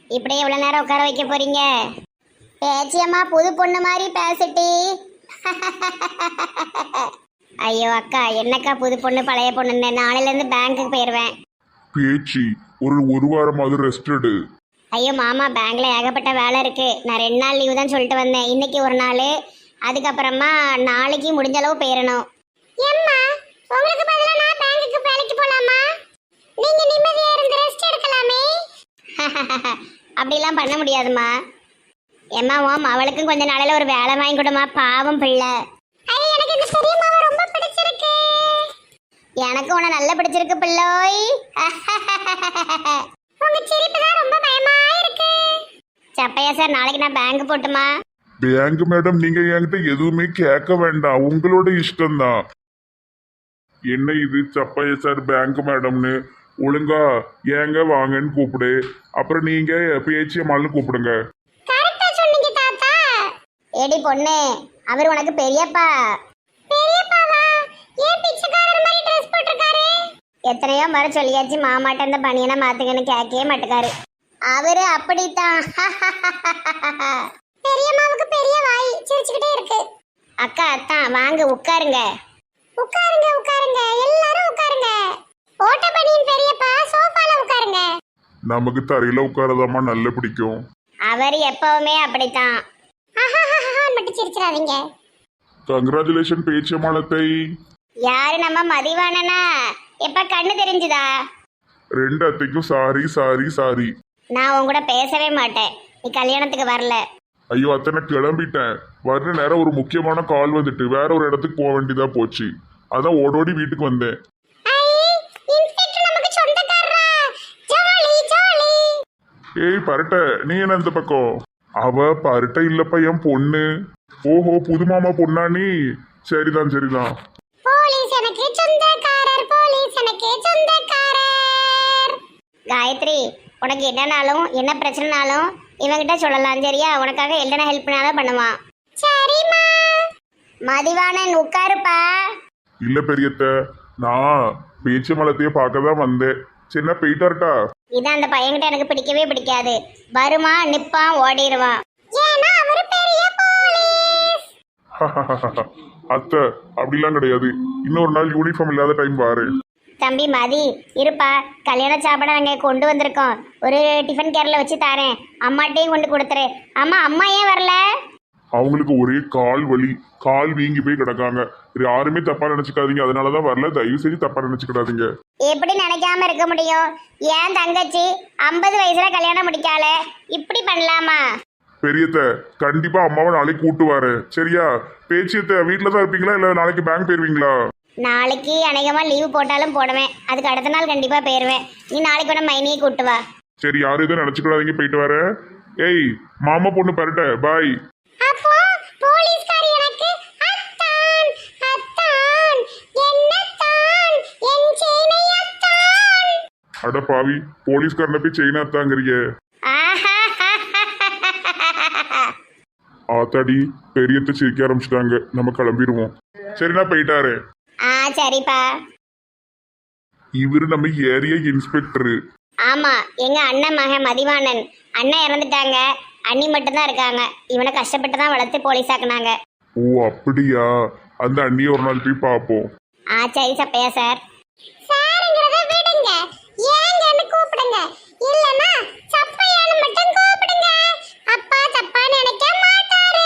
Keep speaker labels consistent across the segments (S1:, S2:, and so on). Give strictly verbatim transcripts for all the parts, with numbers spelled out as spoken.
S1: இப்படியே எவ்வளவு நேரம் உட்கார வைக்க போறீங்க? பேச்சியம்மா புது பொண்ணு மாதிரி பேசிட்டி. ஐயோ அக்கா, என்னக்கா புது பொண்ணு பழைய பொண்ணுன்னு? நாளையில இருந்து பேங்க்குக்கு போயிருவேன்.
S2: பேச்சு ஒரு ஒரு வாரமாவது ரெஸ்ட் எடு.
S1: ஐயோ மாமா, பேங்க்ல ஏகப்பட்ட வேலை இருக்கு. நான் ரெண்டு நாள் லீவு தான் சொல்லிட்டு வந்தேன். இன்னைக்கு ஒரு நாள், அதுக்கப்புறமா நாளைக்கு முடிஞ்ச அளவு போயிடணும். ஏம்மா, உங்களுக்கு பதிலா நான் பேங்க்குக்கு வேலைக்கு போலாமா? நீங்க நிம்மதியா இருந்து ரெஸ்ட் எடுக்கலாமே. அப்படிலாம் பண்ண முடியாதுமா. ஏம்மா, ஓம் அவளுக்கும் கொஞ்ச நாளையில ஒரு வேலை வாங்கி கொடுமா, பாவம் பிள்ளை. எனக்கு இந்த பெரிய மாமா ரொம்ப பிடிச்சிருக்கு. எனக்கு உன நல்லா பிடிச்சிருக்கு பிள்ளோய். உங்க சிரிப்பு தான் ரொம்ப பயமா இருக்கு. சப்பையா சார், நாளைக்கு நான் பேங்க் போட்டுமா?
S2: பேங்க் மேடம், நீங்க என்கிட்ட எதுவுமே கேட்க வேண்டாம், உங்களோட இஷ்டம்தான். என்ன இது சப்பைய சார் பேங்க் மேடம்னு? ஒழுங்கா ஏங்க வாங்கன்னு கூப்பிடு, அப்புறம் நீங்க பேச்சியம்மாள்னு கூப்பிடுங்க.
S1: கரெக்டா சொன்னீங்க தாத்தா. ஏடி பொண்ணு, அவர் உனக்கு பெரியப்பா. பெரியப்பாவா? ஏன் பிச்சைக்காரர் மாதிரி ட்ரெஸ் போட்டுருக்காரு? எத்தனையோ முறை சொல்லியாச்சு மாமாட்ட இந்த பனியனை மாத்துங்கன்னு, கேட்கவே மாட்டுக்காரு. அவரு அப்படித்தான். பெரியம்மாவுக்கு பெரிய வாய், சிரிச்சுக்கிட்டே இருக்கு. அக்கா அத்தான் வாங்க உட்காருங்க. உட்காருங்க உட்காருங்க, எல்லாரும் உட்காருங்க. ஓட்ட பனியன் பெரியப்பா, சோஃபால உட்காருங்க.
S2: நமக்கு தரையில உட்காரதாமா நல்ல பிடிக்கும்.
S1: அவர் எப்பவுமே அப்படித்தான். மட்டும் சிரிச்சிடாதீங்க.
S2: கங்க்ராச்சுலேஷன் பேச்சியம்மாளத்தை.
S1: யாரு நம்ம மதிவானனா? எப்ப கண்ணு தெரிஞ்சுதா?
S2: ரெண்டு அத்தைக்கும் சாரி சாரி சாரி.
S1: நான் உன் கூட பேசவே மாட்டேன், நீ கல்யாணத்துக்கு வரல.
S2: ஐயோ அத்தை, நான் கிளம்பிட்டேன். வர்ற நேரம் ஒரு முக்கியமான கால் வந்துட்டு வேற ஒரு இடத்துக்கு போக வேண்டியதா போச்சு. அதான் ஓடோடி வீட்டுக்கு வந்தேன். ஏய் பரட்ட, நீ என்ன இந்த பக்கம்? அவ பரட்ட இல்லப்பா, என் பொண்ணு. ஓஹோ, புது மாமா பொண்ணா நீ? சரிதான் சரிதான்.
S1: காயத்ரி, உனக்கு என்னனாலும் என்ன பிரச்சனைனாலும் இவங்கிட்ட சொல்லலாம், சரியா? உனக்காக என்ன ஹெல்ப்னாலும் பண்ணுவான். சரிம்மா. மதிவானன் உட்காருப்பா.
S2: இல்ல பெரியத்த, நான் பேச்சியம்மாளத்தையே பார்க்க தான் வந்தேன். சின்ன போயிட்டார்ட்டா.
S1: இதான் அந்த பையன்கிட்ட எனக்கு பிடிக்கவே பிடிக்காது. வருமா நிப்பான், ஓடிடுவான். ஏன்னா அவரு பெரிய போலீஸ்.
S2: அத்தை அப்படிலாம் கிடையாது. இன்னொரு நாள் யூனிஃபார்ம் இல்லாத டைம் பாரு.
S1: தம்பி மதி, இருப்பா. கல்யாண சாப்பாடை நாங்கள் கொண்டு வந்திருக்கோம். ஒரு டிஃபன் கேரில் வச்சு தரேன், அம்மாட்டையும் கொண்டு கொடுத்துரு. அம்மா, அம்மா ஏன் வரல?
S2: அவங்களுக்கு ஒரே கால் வலி, கால் வீங்கி போய் கிடக்காங்க. யாருமே தப்பா நினைச்சுக்காதீங்க, அதனாலதான் வரல. தயவு செஞ்சு தப்பா நினைச்சுக்கிடாதீங்க.
S1: எப்படி நினைக்காம இருக்க முடியும்? ஏன் தங்கச்சி ஐம்பது வயசுல கல்யாணம் முடிக்கால, இப்படி பண்ணலாமா?
S2: பெரியத்த, கண்டிப்பா அம்மாவை நாளைக்கு கூட்டு வரேன், சரியா? பேச்சியத்த வீட்டுல தான் இருப்பீங்களா இல்ல நாளைக்கு பேங்க் போயிருவீங்களா?
S1: நாளைக்கு அநேகமா லீவு போட்டாலும் போடுவேன், அதுக்கு அடுத்த நாள் கண்டிப்பா போயிருவேன். நீ நாளைக்கு கூட மைனியை கூட்டு வா.
S2: சரி, யாரும் எதுவும் நினைச்சுக்கூடாதீங்க, போயிட்டு வரேன். ஏய் மாமா பொண்ணு பரட்ட, பாய்.
S1: அப்போ போலீஸ்காரி எனக்கு அத்தான் அத்தான் என்னத்தான் என் செயினை அத்தான்.
S2: அட பாவி, போலீஸ்காரனை போய் செயினா தாங்கறீங்க. ஆத்தாடி, பெரியத்த சிரிக்க ஆரம்பிச்சிட்டாங்க. நம்ம கிளம்பிடுவோம். சரி, நான் போயிட்டாரு.
S1: ஆ சரிப்பா.
S2: இவரு நம்ம ஏரியா இன்ஸ்பெக்டரு.
S1: ஆமா, எங்க அண்ணன் மகன் மதிவாணன். அண்ணன் இறந்துட்டாங்க, அண்ணி மட்டும்தான் இருக்காங்க. இவனை கஷ்டப்பட்டு தான் வளர்த்து போலீஸ் ஆக்குனாங்க.
S2: ஓ அப்படியா? அந்த அண்ணியை ஒரு நாள் போய் பார்ப்போம்.
S1: ஆ சரி சப்பையா சார். சார்ங்கறத விடுங்க, ஏங்கன்னு கூப்பிடுங்க. இல்லனா சப்பையான்னு மட்டும் கூப்பிடுங்க. அப்பா தப்பா நினைக்க மாட்டாரு.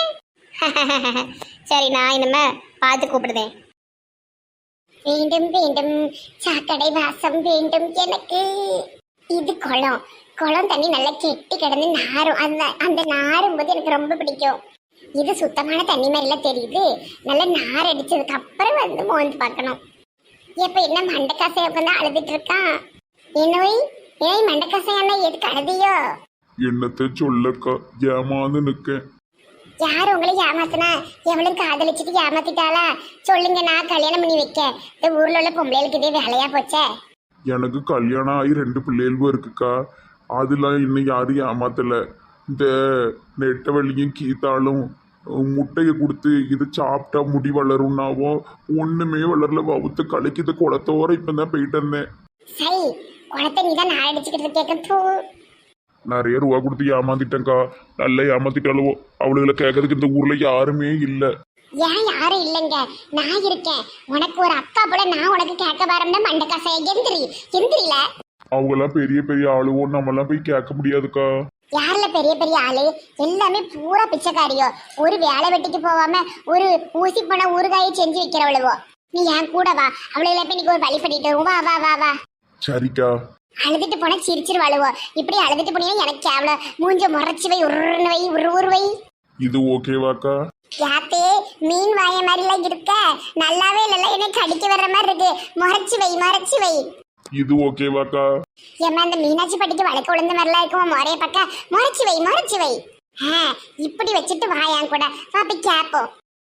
S1: சரி, நான் இனிமே பார்த்து கூப்பிடுதேன். வேண்டும் வேண்டும் சாக்கடை வாசம் வேண்டும் எனக்கு. இது குளம். குளம் தண்ணி நல்லா கெட்டி கிடந்து நாரும். அந்த அந்த நாரும் போது எனக்கு ரொம்ப பிடிக்கும். இது சுத்தமான தண்ணி மாதிரிலாம் தெரியுது. நல்லா நார் அடிச்சதுக்கு அப்புறம் வந்து மோந்து பார்க்கணும். எப்ப என்ன மண்டக்காசைய உட்காந்து அழுதுட்டு இருக்கான். என்னோய் ஏய் மண்டக்காசையான எதுக்கு அழுதியோ?
S2: என்னத்தை சொல்லக்கா, ஏமாந்து நிக்க.
S1: யார் உங்களை ஏமாத்தினா? எவளும் காதலிச்சுட்டு ஏமாத்திட்டாளா? சொல்லுங்க, நான் கல்யாணம் பண்ணி வைக்க. இந்த ஊர்ல உள்ள பொம்பளைகளுக்கு இதே வேலையா போச்சே.
S2: எனக்கு கல்யாணம் ஆகி ரெண்டு பிள்ளைகளும் இருக்குக்கா. அதெல்லாம் இன்னும் யாரும் ஏமாத்தல. இந்த நெட்டவள்ளியும் கீத்தாலும் முட்டையை கொடுத்து இது சாப்பிட்டா முடி வளரும்னாவோ ஒண்ணுமே வளரல. வவுத்து கலைக்குது குளத்தோர. இப்பதான் போயிட்டு இருந்தேன்.
S1: சரி, குளத்தை நீதான் நான் அடிச்சுக்கிட்டு கேட்க.
S2: நிறைய ரூபா கொடுத்து ஏமாத்திட்டேன்க்கா. நல்லா ஏமாத்திட்டாலுவோ. அவளுகளை கேட்கறதுக்கு இந்த ஊர்ல யாருமே இல்லை.
S1: ஏன் யாரும் இல்லைங்க, நான் இருக்கேன். உனக்கு ஒரு அக்கா போல நான் உனக்கு கேட்க வரம்னா மண்டக்காசை எந்திரி எந்திரில.
S2: அவங்கெல்லாம் பெரிய பெரிய ஆளுவோம், நம்மெல்லாம் போய் கேட்க முடியாதுக்கா.
S1: யாருல பெரிய பெரிய ஆளு? எல்லாமே பூரா பிச்சைக்காரியோ. ஒரு வேலை வெட்டிக்கு போவாம ஒரு ஊசி போன ஊறுகாயை செஞ்சு வைக்கிறவளுவோ. நீ என் கூட வா, அவளுகளை போய் நீக்கு ஒரு வழி பண்ணிட்டு வருவோம். வா வா வா வா.
S2: சரிக்கா.
S1: அழுதுட்டு போனா சிரிச்சிருவாளுவோ. இப்படி அழுதுட்டு போனீங்கன்னா எனக்கு கேவல. மூஞ்ச முறைச்சு வை, உருன்னு வை, உரு உரு வை.
S2: இது ஓகேவாக்கா?
S1: யாத்தே மீன் வாய மாதிரிலாம் இருக்க, நல்லாவே இல்லைல்ல, என்னை கடிக்க வர்ற மாதிரி இருக்கு. முறைச்சு வை, மறைச்சு வை.
S2: இது ஓகேவாக்கா?
S1: ஏமா அந்த மீனாட்சி பட்டிக்கு வழக்கு விழுந்த மாதிரிலாம் இருக்கும். முறைய பக்க முறைச்சு வை, முறைச்சு வை. ஆ இப்படி வச்சுட்டு வாயான் கூட பாப்பி கேப்போம்.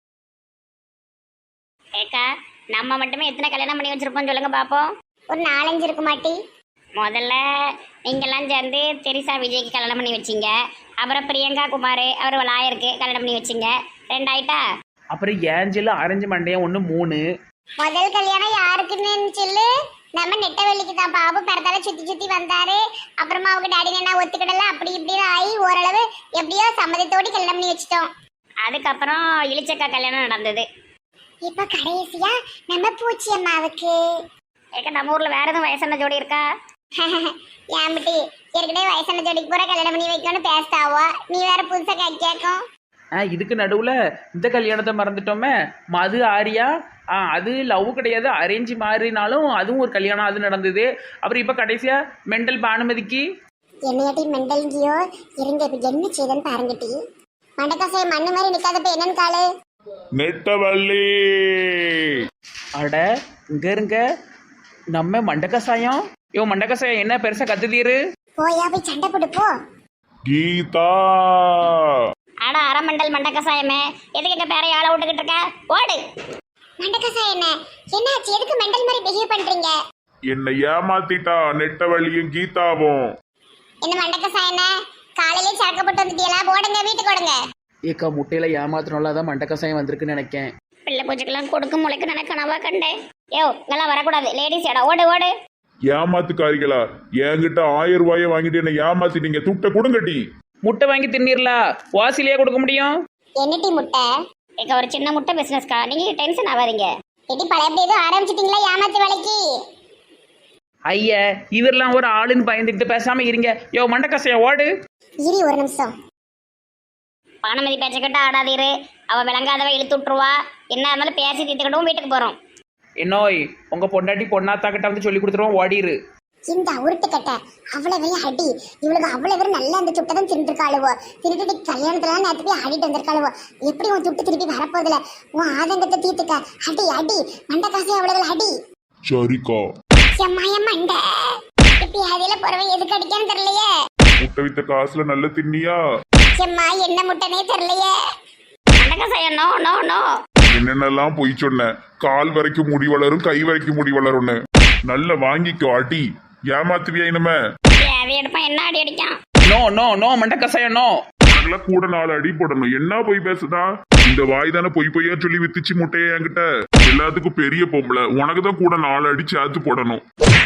S3: ஏக்கா, நம்ம மட்டுமே எத்தனை கல்யாணம் பண்ணி வச்சிருப்போம் சொல்லுங்க பாப்போம்.
S1: ஒரு நாலஞ்சு இருக்கு மாட்டி.
S3: முதல்ல நீங்கெல்லாம் சேர்ந்து தெரிசா விஜய்க்கு கல்யாணம் பண்ணி வச்சிங்க. அப்புறம் பிரியங்கா குமார் அவர் லாயருக்கு கல்யாணம் பண்ணி வச்சிங்க. ரெண்டாயிட்டா?
S4: அப்புறம் ஏஞ்சல் அரஞ்சு மண்டையன் ஒன்று மூணு.
S1: முதல் கல்யாணம் யாருக்குன்னு சொல்லு. நம்ம நெட்டவெளிக்கு தான். பாபு பிறத்தால சுத்தி சுத்தி வந்தாரு. அப்புறமா அவங்க டாடி என்ன ஒத்துக்கிடல, அப்படி இப்படி ஆகி ஓரளவு எப்படியோ சம்மதத்தோடு கல்யாணம் பண்ணி வச்சிட்டோம்.
S3: அதுக்கப்புறம் இளிச்சக்கா கல்யாணம் நடந்தது.
S1: இப்ப கடைசியா நம்ம பூச்சி அம்மாவுக்கு.
S3: ஏக்கா, நம்ம ஊர்ல வேற எதுவும் வயசான ஜோடி இருக்கா?
S1: ஏம்பிட்டி ஏற்கனவே வயசான ஜோடிக்கு பூரா கல்யாணம் பண்ணி வைக்கணும்னு பேசுதாவோ. நீ வேற புதுசா கே கேட்கும்.
S4: ஆ இதுக்கு நடுவில் இந்த கல்யாணத்தை மறந்துட்டோமே. மது ஆரியா. ஆ அது லவ் கிடையாது, அரேஞ்சு மாறினாலும் அதுவும் ஒரு கல்யாணம் அது நடந்தது. அப்புறம் இப்போ கடைசியாக மெண்டல் பானுமதிக்கு.
S1: என்னையாட்டி மெண்டல்கியோ இருங்க. இப்ப என்ன செய்தன்னு பாருங்கட்டி. மண்டக்காசை மண்ணு மாதிரி நிக்காதப்ப என்னன்னு காலு.
S2: நெட்டவள்ளி.
S4: அட இங்க இருங்க நம்ம மண்டக்கசாயம். யோ மண்டக்கசாயம் என்ன பெருசா கத்துதீரு?
S1: போயா போய் சண்டை போட்டு போ.
S2: கீதா.
S3: ஆடா அரமண்டல் மண்டக்கசாயமே, எதுக்கு எங்க பேரை ஆள விட்டுக்கிட்டு இருக்க? ஓடு.
S1: மண்டக்காசை என்ன என்னாச்சு? எதுக்கு மெண்டல் மாதிரி பிஹேவ் பண்றீங்க?
S2: என்னை ஏமாத்திட்டா நெட்டவள்ளியும் கீதாவும்.
S1: என்ன மண்டக்காசை என்ன காலையிலே சரக்கு போட்டு வந்துட்டீங்களா? போடுங்க வீட்டுக்கு ஓடுங்க.
S4: ஏக்கா முட்டையில ஏமாத்தினால தான் மண்டக்கசாயம் வந்திருக்குன்னு நினைக்கேன்.
S3: பிள்ளை பூஜைக்கெல்லாம் கொடுக்க முளைக்கு எனக்கு கனவா கண்டேன். யோ இங்கெல்லாம் வரக்கூடாது, லேடிஸ் இடம். ஓடு ஓடு.
S2: ஏமாத்துக்காரிகளா, என்கிட்ட ஆயிரம் ரூபாய வாங்கிட்டு என்ன ஏமாத்திட்டீங்க. துட்ட கொடுங்கட்டி.
S4: முட்டை வாங்கி தின்னிரலா? வாசிலேயே கொடுக்க முடியும்.
S1: என்னட்டி முட்டை?
S3: ஏக்கா ஒரு சின்ன முட்டை பிசினஸ்க்கா, நீங்க டென்ஷன் ஆகாதீங்க.
S1: எட்டி பழையபடி ஏதோ ஆரம்பிச்சிட்டீங்களா ஏமாத்து வேலைக்கு?
S4: ஐயா இவரெல்லாம் ஒரு ஆளுன்னு பயந்துக்கிட்டு பேசாம இருங்க. யோ மண்டக்கசாயம் ஓடு.
S1: இரு ஒரு நிமிஷம்.
S3: பானுமதி பேச்சக்கிட்ட ஆடாதீரு. அவ விளங்காதவ இழுத்து விட்டுருவா. என்ன இருந்தாலும் பேசி தீர்த்துக்கிட்டும் வீட்டுக்கு போறோம்.
S4: என்னோய் உங்க பொண்டாட்டி பொண்ணாத்தாக்கிட்ட வந்து சொல்லி கொடுத்துருவோம், ஓடிரு.
S1: இந்த உருட்டு கட்ட அவ்வளவு அடி. இவளுக்கு அவ்வளவு பேர் நல்லா அந்த துட்டை தான் தின்றுருக்காளுவோ. திருட்டு கல்யாணத்துல நேற்று போய் ஆடிட்டு வந்திருக்காளுவோ. எப்படி உன் துட்டு திருப்பி வரப்போதுல? உன் ஆதங்கத்தை தீர்த்துக்க. அடி அடி மண்டக்காசை அவ்வளவு அடி.
S2: சரிக்கா.
S1: எம்மாய மண்டை இப்படி அதில போறவன் எதுக்கு அடிக்கான்னு தெரியலையே.
S2: முட்டை வித்த காசுல நல்ல தின்னியா?
S1: எம்மா என்ன முட்டைனே தெரியலையே.
S3: மண்டக்கசாயம் நோ நோ நோ.
S2: என்னென்னலாம் பொய் சொன்ன. கால் வரைக்கும் முடி வளரும், கை வரைக்கும் முடி வளரும்னு. நல்ல வாங்கிக்கோ அடி. ஏமாத்துவியா இனிமே?
S3: அது எடுப்பான் என்ன அடி அடிக்கான்.
S4: நோ நோ நோ மண்டக்கசாயம் நோ.
S2: அதெல்லாம் கூட நாலு அடி போடணும். என்ன பொய் பேசுதா? இந்த வாய் தானே பொய் பொய்யா சொல்லி வித்துச்சு முட்டையை என்கிட்ட. எல்லாத்துக்கும் பெரிய பொம்பளை, உனக்கு தான் கூட நாலு அடி சேர்த்து போடணும்.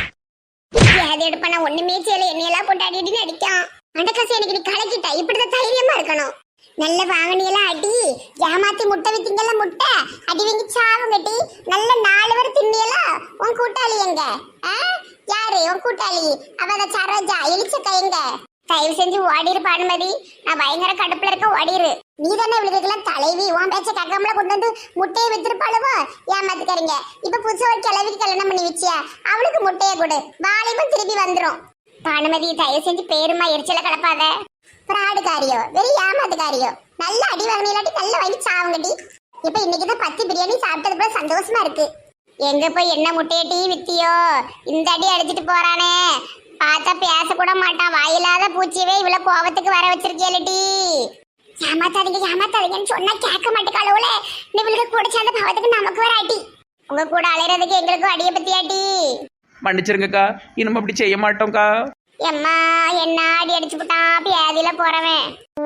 S1: அது எடுப்பான ஒண்ணுமே செய்யல. என்னையெல்லாம் போட்டு அடி அடின்னு அடிக்கான். மண்டக்காசை எனக்கு நீ கலக்கிட்ட. இப்படிதான் தைரியமா இருக்கணும். நல்ல வாங்கினியெல்லாம் அடி. ஏமாத்தி முட்டை வித்தீங்கல்ல முட்டை அடி வாங்கி சாவும் கட்டி. நல்ல நாலு பேர் தின்னியலா. உன் கூட்டாளி எங்க? யாரு உன் கூட்டாளி? அவ சரோஜா எலிச்சக்கா எங்க? தயவு செஞ்சு ஓடிரு பானுமதி. நான் பயங்கர கடுப்புல இருக்க, ஓடிரு. நீ தானே இவளுக்கெல்லாம் தலைவி. உன் பேச்ச கக்காமல கொண்டு வந்து முட்டையை வித்துருப்பாளுவோ. ஏமாத்துக்காரங்க. இப்ப புதுசா ஒரு கிளவிக்கு கல்யாணம் பண்ணி வச்சியா? அவளுக்கு முட்டையை கொடு, வாலிபம் திருப்பி வந்துரும். பானுமதி தயவு செஞ்சு பேருமா எரிச்சல கலப்பாத. பிராடுகாரியோ வெறும் ஏமாத்துக்காரியோ. நல்ல அடி வாங்கினாட்டி நல்ல வாங்கி சாவுங்கடி. இப்ப இன்னைக்குதான் பத்து பிரியாணி சாப்பிட்டது போல சந்தோஷமா இருக்கு. எங்க போய் என்ன முட்டையை டீ வித்தியோ? இந்த அடி அடிச்சிட்டு போறானே. பார்த்தா பேச கூட மாட்டான். வாயில்லாத பூச்சியவே இவ்வளவு கோபத்துக்கு வர வச்சிருக்கேலடி. ஏமாத்தாதீங்க ஏமாத்தாதீங்கன்னு சொன்னா கேட்க மாட்டேக்காளவுல. இவளுக்கு கூட சேர்ந்த பாவத்துக்கு நமக்கு வர அடி. உங்க கூட அலையிறதுக்கு எங்களுக்கும் அடியை பத்தி அடி.
S4: மன்னிச்சிருங்கக்கா, இனிமே அப்படி செய்ய மாட்டோம்க்கா.
S1: எம்மா என்ன அடி அடிச்சு போட்டான் பியாதியில போறவன்.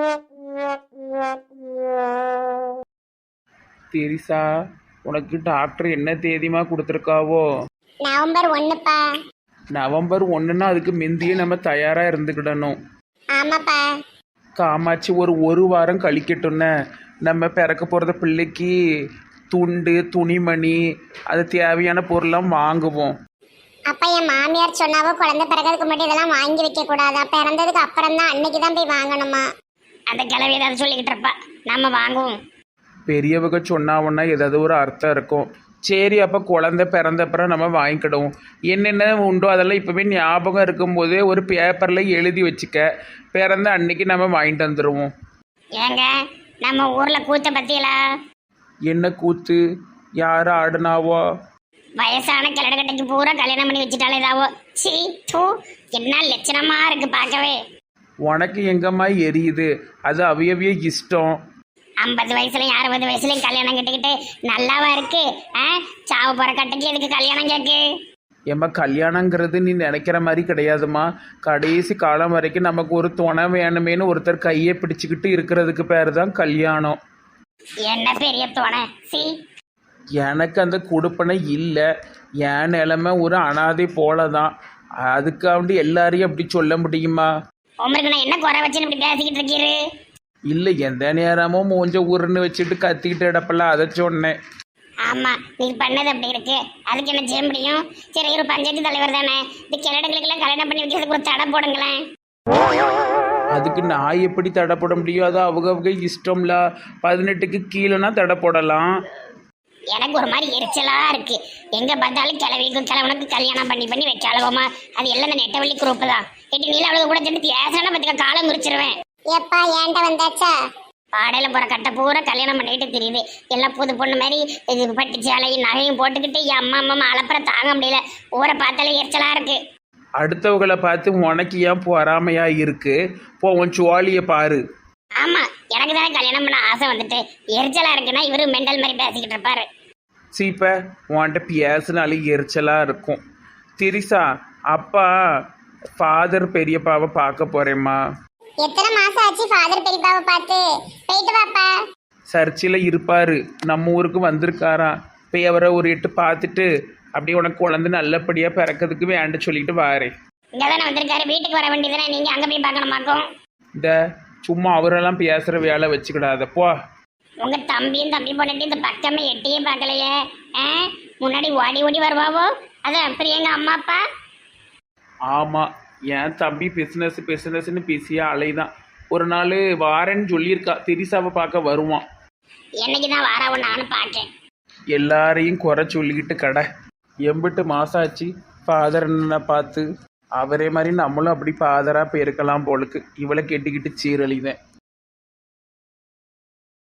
S4: தெரிசா உனக்கு டாக்டர் என்ன தேதிமா கொடுத்துருக்காவோ?
S1: நவம்பர் ஒண்ணுப்பா.
S4: நவம்பர் ஒன்றுன்னா அதுக்கு முந்தியே நம்ம தயாராக இருந்துக்கிடணும்.
S1: ஆமாப்பா.
S4: காமாட்சி ஒரு ஒரு வாரம் கழிக்கட்டும்னே நம்ம பிறக்க போகிறத பிள்ளைக்கு துண்டு துணிமணி அது தேவையான பொருள்லாம் வாங்குவோம்.
S1: அப்ப என் மாமியார் சொன்னாவோ குழந்தை பிறக்கிறதுக்கு முன்னாடி இதெல்லாம் வாங்கி வைக்க கூடாதா, பிறந்ததுக்கு அப்புறம் தான் அன்னைக்கு தான் போய் வாங்கணுமா?
S3: அந்த கிளவி ஏதாவது சொல்லிக்கிட்டு இருப்பா, நம்ம வாங்குவோம்.
S4: பெரியவங்க சொன்னாவுன்னா ஏதாவது ஒரு அர்த்தம் இருக்கும். சரி, அப்போ குழந்தை பிறந்தப்புறம் நம்ம வாங்கிக்கிடுவோம். என்னென்ன உண்டோ அதெல்லாம் இப்போவே ஞாபகம் இருக்கும்போதே ஒரு பேப்பரில் எழுதி வச்சுக்க. பிறந்த அன்னைக்கு நம்ம வாங்கிட்டு வந்துடுவோம்.
S3: ஏங்க நம்ம ஊர்ல கூத்த பத்தியலா?
S4: என்ன கூத்து? யார் ஆடுனாவோ?
S3: வயசான கிழடுகட்டைக்கு பூரா கல்யாணம் பண்ணி வச்சுட்டாலே ஏதாவோ. சீ தூ, என்ன லட்சணமா இருக்கு பார்க்கவே.
S4: உனக்கு எங்கம்மா எரியுது? அது அவியவிய இஷ்டம்.
S3: ஐம்பது வயசுலயும் அறுபது வயசுலயும் கல்யாணம் கட்டிக்கிட்டு நல்லாவா இருக்கு? ஆ, சாவு போற கட்டைக்கு எதுக்கு கல்யாணம் கேக்கு?
S4: ஏம்மா, கல்யாணங்கிறது நீ நினைக்கிற மாதிரி கிடையாதும்மா. கடைசி காலம் வரைக்கும் நமக்கு ஒரு துணை வேணுமேனு ஒருத்தர் கையை பிடிச்சிக்கிட்டு இருக்கிறதுக்கு பேர் தான் கல்யாணம்.
S3: என்ன பெரிய தோணை? சி,
S4: எனக்கு அந்த கொடுப்பனை இல்லை. என் நிலைமை ஒரு அனாதை போல தான். அதுக்காண்டி எல்லாரையும் அப்படி சொல்ல முடியுமா?
S3: உங்களுக்கு நான் என்ன குறை வச்சுன்னு இப்படி பேசிக்கிட்டு இருக்கீரு?
S4: இல்லை, எந்த நேரமும் மூஞ்ச உருன்னு வச்சுட்டு கத்திக்கிட்டு இடப்பல, அதை சொன்னேன்.
S3: ஆமா, நீ பண்ணது அப்படி இருக்கு. அதுக்கு என்ன செய்ய முடியும்? சரி, ஒரு பஞ்சாயத்து தலைவர் தானே, இந்த கிழடுகளுக்கெல்லாம் கல்யாணம் பண்ணி வைக்கிறதுக்கு ஒரு தடை போடுங்களேன்.
S4: அதுக்கு நான் எப்படி தடை போட முடியும்? அது அவங்க அவங்க இஷ்டம்ல. பதினெட்டுக்கு கீழேனா தடை போடலாம்.
S3: எனக்கு ஒரு மாதிரி எரிச்சலா இருக்கு. எங்க பார்த்தாலும் கிளவிக்கும் கிழவனுக்கு கல்யாணம் பண்ணி பண்ணி வைக்காளவோமா. அது எல்லாம் இந்த நெட்டவள்ளி குரூப் தான். எட்டு நீல அவளுக்கு கூட சேர்ந்து பேசணும் பத்துக்க காலம் குறிச்சிருவேன்.
S1: எப்பா ஏன்ட்ட வந்தாச்சா?
S3: பாடையில போற கட்டை பூரா கல்யாணம் பண்ணிட்டு தெரியுது. எல்லாம் புது பொண்ணு மாதிரி இது பட்டு சேலையும் நகையும் போட்டுக்கிட்டு என் அம்மா அம்மா அலப்புற தாங்க முடியல. ஊரை பார்த்தாலே எரிச்சலா இருக்கு.
S4: அடுத்தவங்களை பார்த்து உனக்கு ஏன் பொறாமையா இருக்கு? போ, உன் சுவாலியை பாரு.
S3: ஆமா, எனக்கு தானே கல்யாணம் பண்ண ஆசை வந்துட்டு எரிச்சலா இருக்குன்னா இவரு மெண்டல் மாதிரி பேசிக்கிட்டு இருப்பாரு.
S4: சீப்ப உன்கிட்ட பேசினாலே எரிச்சலா இருக்கும். திரிசா, அப்பா ஃபாதர் பெரியப்பாவை பார்க்க போறேம்மா.
S1: எத்தனை மாசம் ஆச்சு ஃபாதர் பெரியப்பாவை பார்த்து? போயிட்டு வாப்பா.
S4: சர்ச்சில் இருப்பாரு, நம்ம ஊருக்கு வந்திருக்காராம். போய் அவரை ஒரு எட்டு பார்த்துட்டு அப்படியே உனக்கு குழந்தை நல்லபடியாக பிறக்கிறதுக்கு வேண்ட சொல்லிட்டு வாரேன்.
S3: இங்கதானே வந்திருக்காரு, வீட்டுக்கு வர வேண்டியதுதானே, நீங்க அங்க போய் பார்க்கணுமாக்கும்.
S4: இந்த சும்மா அவரெல்லாம் பேசுகிற வேலை வச்சுக்கிடாதப்போ.
S3: உங்க தம்பியும் தம்பி பொண்ணுட்டு இந்த பக்கமே எட்டியே பார்க்கலையே. ஆ, முன்னாடி ஓடி ஓடி வருவாவோ. அதான் பிரியங்க அம்மா அப்பா.
S4: ஆமாம், என் தம்பி பிஸ்னஸ் பிஸ்னஸ்ன்னு பிஸியாக அலைதான். ஒரு நாள் வாரேன்னு சொல்லியிருக்கா, திரிசாவை பார்க்க வருவான்.
S3: என்னைக்கு தான் வாராவோ நானும் பார்க்கேன்.
S4: எல்லாரையும் குறை சொல்லிக்கிட்டு கடை. எம்பிட்டு மாதம் ஆச்சு ஃபாதர் என்ன பார்த்து. அவரே மாதிரி நம்மளும் அப்படி ஃபாதராக போயிருக்கலாம் போலுக்கு. இவளை கெட்டிக்கிட்டு சீரழிதேன்.